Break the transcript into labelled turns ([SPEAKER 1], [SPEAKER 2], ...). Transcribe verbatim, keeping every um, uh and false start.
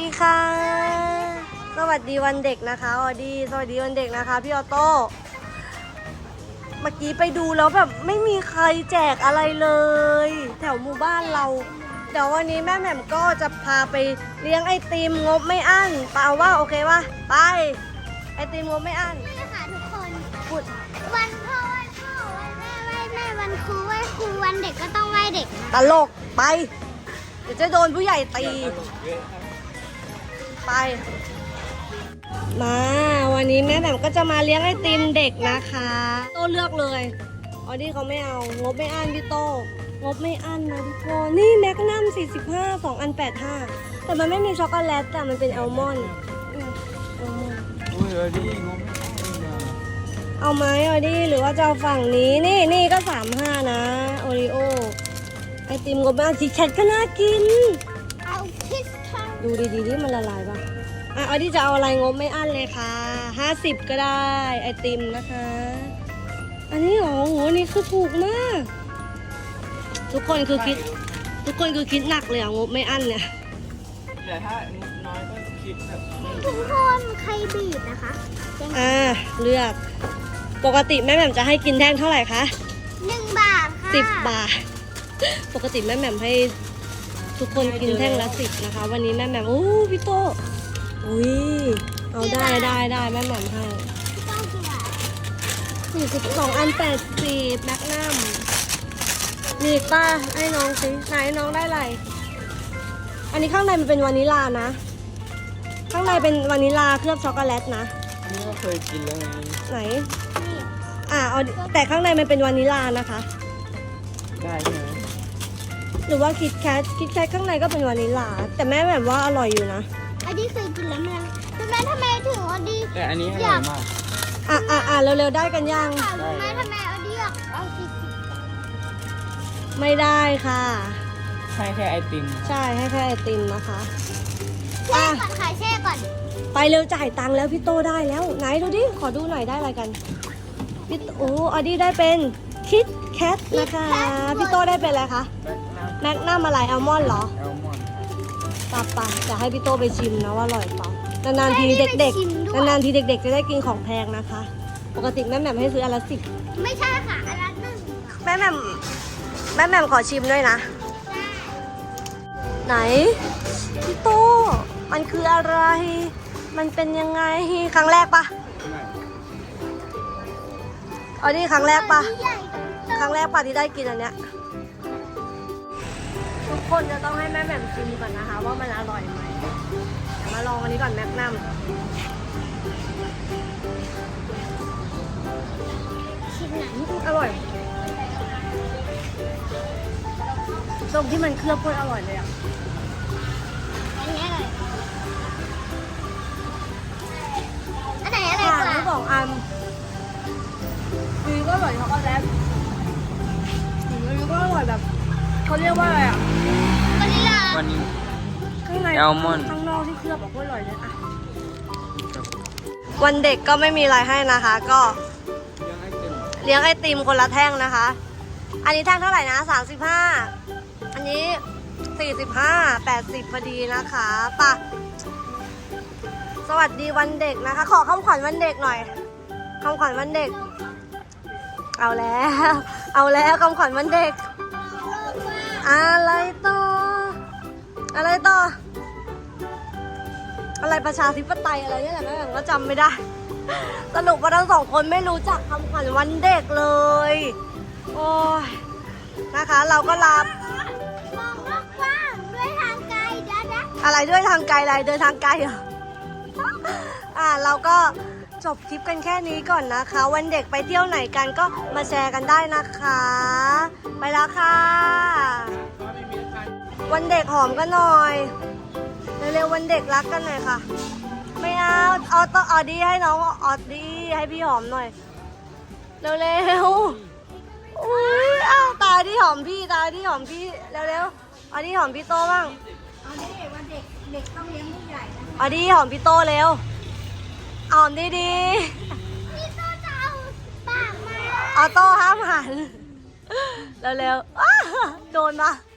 [SPEAKER 1] ดีค่ะสวัสดีวันเด็กนะคะออดี้สวัสดีวันเด็กนะคะพี่ออโต้เมื่อกี้ไปดูแล้วแบบไม่มีใครแจกอะไรเลยแถวหมู่บ้านเราเดี๋ยววันนี้แม่แหม่มก็จะพาไปเลี้ยงไอติมงบไม่อั้นเปล่าว่าโอเคป่ะไปไอติมงบไม่อั้น
[SPEAKER 2] นี่ค่ะทุกคน
[SPEAKER 1] พูด
[SPEAKER 2] วันพ่อวันพ่อวันแม่วันแม่วันครูวันครูวันเด็กก็ต้องไหว้เด็กนะ
[SPEAKER 1] ตลกไปเดี๋ยวจะโดนผู้ใหญ่ตีไปมาวันนี้แม่แหม่มก็จะมาเลี้ยงไอติมเด็กนะคะโต้เลือกเลยออดี้เขาไม่เอางบไม่อั้นพี่โต้งบไม่อั้นนะทุกคนนี่แมกนัมสี่สิบห้า สองอันแปดสิบห้าแต่มันไม่มีช็อกโกแลตแต่มันเป็นอัลมอนด์อืมอัลมอนด์
[SPEAKER 3] อุ้ยเออดีงงไม่ได้
[SPEAKER 1] เอาไหมออดี้หรือว่าจะเอาฝั่งนี้นี่นี่ก็สามห้านะโอริโอไอติมงบไม่อั้นคิดแคทก็น่ากิน
[SPEAKER 2] เอาคิสทอง
[SPEAKER 1] ดูดีๆที่มันละลายป่ะอ่ะออดี้จะเอาอะไรงบไม่อั้นเลยค่ะห้าสิบก็ได้ไอติมนะคะอันนี้หรอโหอันนี้คือถูกมากทุกคนคือคิดทุกคนคือคิดหนักเลยอ่ะงบไม่อั้นเนี่ย
[SPEAKER 3] แต่ถ้าน้อยก็คิดแบบ
[SPEAKER 2] ทุกคนใครบีบนะคะ
[SPEAKER 1] อ่าเลือกปกติแม่แหม่มจะให้กินแท่งเท่าไหร่คะ
[SPEAKER 2] หนึ่งบาทค่ะ
[SPEAKER 1] สิบบาทปกติแม่แหม่มให้ทุกคนกินแท่งละสิบนะคะ วันนี้แม่แหม่มโอ้พี่โตอุ้ยเอาได้ได้ได้แม่แหม่มให้
[SPEAKER 2] ต้องกี่บาท
[SPEAKER 1] สี่สิบสองอันแปดสิบแมกนัมมีอีกป้าให้น้องสิไหนน้องได้อะไรอันนี้ข้างในมันเป็นวานิลลานะ ข้างในเป็นวานิลลาเคลือบช็อกโกแลตนะ
[SPEAKER 3] อันนี้ก็เคยกินแล้วไง
[SPEAKER 1] ไหน
[SPEAKER 2] นี่
[SPEAKER 1] อ่าเอาแต่ข้างในมันเป็นวานิลลานะคะ
[SPEAKER 3] ได้ใช่ไหม
[SPEAKER 1] หรือว่าคิดแคทคิดแคทข้างในก็เป็นวานิลลาแต่แม่แบบว่าอร่อยอยู่นะ
[SPEAKER 2] อันนี้เคยกินแล้วมั้ยทำไมทำไมถึงอดี
[SPEAKER 3] แต่อันนี้อร่อยมาก
[SPEAKER 1] อ่ะอ่ะอ่ะเร็วๆได้กันยัง
[SPEAKER 2] ถามรู้ไหมทำไมอดีอยากเอาสิบ
[SPEAKER 1] ไม่ได้ค่ะ
[SPEAKER 3] ใช่แค่ไอติม
[SPEAKER 1] ใช่ให้แค่ไอติมนะคะ
[SPEAKER 2] แช่ก่อนค่ะแช่ก่อน
[SPEAKER 1] ไปเร็วจ่ายตังค์แล้วพี่โตได้แล้วไหนดูดิขอดูหน่อยได้อะไรกันพี่โตโอ้อดี้ได้เป็นคิดแคทนะคะพี่โตได้เป็นอะไรคะ
[SPEAKER 3] แบล็คน้
[SPEAKER 1] แมกนัมอะไรอัลมอนด์เหรอ
[SPEAKER 3] ำแอลมอนด์
[SPEAKER 1] ปะปะจะให้พี่โตไปชิมนะว่าอร่อยเปล่านานๆทีเด็กๆนานๆทีเด็กๆจะได้กินของแพงนะคะ ปกติแม่แหม่มให้ซื้ออันละสิบ
[SPEAKER 2] ไม่ใช่ค่ะอันละหนึ่ง
[SPEAKER 1] แม่แหม่มแม่แหม่มขอชิมด้วยนะ ไหนพี่โตมันคืออะไร มันเป็นยังไงครั้งแรกปะอ๋อนี่ครั้งแรกปะ
[SPEAKER 2] ใหญ่
[SPEAKER 1] ครั้งแรกปะที่ได้กินอันเนี้ยทุกคนจะต้องให้แม่แหม่มชิมก่อนนะคะ ว่ามันอร่อยไหมเดี๋ยวมาลองอันนี้ก่อนแมกนัม
[SPEAKER 2] ชิ้นไหน
[SPEAKER 1] อร่อยตรงที่มันเคลือบโคตรอร่อยเลยอ่ะ
[SPEAKER 2] อันนี้อะไรอันไหนอะไร
[SPEAKER 1] ผ่าน
[SPEAKER 2] กว่า
[SPEAKER 1] ทั้งสองอันดีก็อร่อยช็อกโกแลตอันนี้ก็อร่อยแบบเขาเรียกว่าอะไรอ่ะ
[SPEAKER 2] วานิลลา
[SPEAKER 3] วันนี้
[SPEAKER 1] ข้างใน
[SPEAKER 3] แอลมอนด์
[SPEAKER 1] ข้างนอกที่เคลือบแบบโคตรอร่อยเลยอ่ะวันเด็กก็ไม่มีอะไรให้นะคะ ก็
[SPEAKER 3] ยังไอติม
[SPEAKER 1] เลี้ยงไอติมคนละแท่งนะคะ อันนี้แท่งเท่าไหร่นะสามสิบห้าอันนี้สี่สิบห้า แปดสิบพอดีนะคะป่ะสวัสดีวันเด็กนะคะ ขอคำขวัญวันเด็กหน่อยคำขวัญวันเด็ก เอาแล้ว เอาแล้วคำขวัญวันเด็ก อะไรต่อ อะไรต่อ อะไรประชาธิปไตยอะไรเนี่ยแหละแม่แบบก็จำไม่ได้ สรุปว่าทั้งสองคนไม่รู้จักคำขวัญวันเด็กเลย โอ้ยนะคะ เราก็รับ
[SPEAKER 2] มองโลกกว้างด้วยทางไกลเดี๋ยวนะ
[SPEAKER 1] อะไรด้วยทางไกลอะไรเดินทางไกลเหรอ อ่าเราก็จบคลิปกันแค่นี้ก่อนนะคะ วันเด็กไปเที่ยวไหนกันก็มาแชร์กันได้นะคะ ไปแล้วค่ะ วันเด็กหอมกันหน่อยเร็วๆวันเด็กรักกันหน่อยค่ะ ไม่เอาเอาต้องออดี้ให้น้องออดี้ให้พี่หอมหน่อยเร็วๆอุ้ยอ้าวตาที่หอมพี่ตาที่หอมพี่เร็วๆออดี้หอมพี่โตบ้าง
[SPEAKER 2] เอาเด็กวันเด็กเด็กต้องเลี้ยงผู้ใหญ่นะ
[SPEAKER 1] ออดี้หอมพี่โตเร็วหอมดี
[SPEAKER 2] พี่โตจะเอาปากมา
[SPEAKER 1] ๆออโต้ห้ามหันเร็วๆอ้าโดนปะ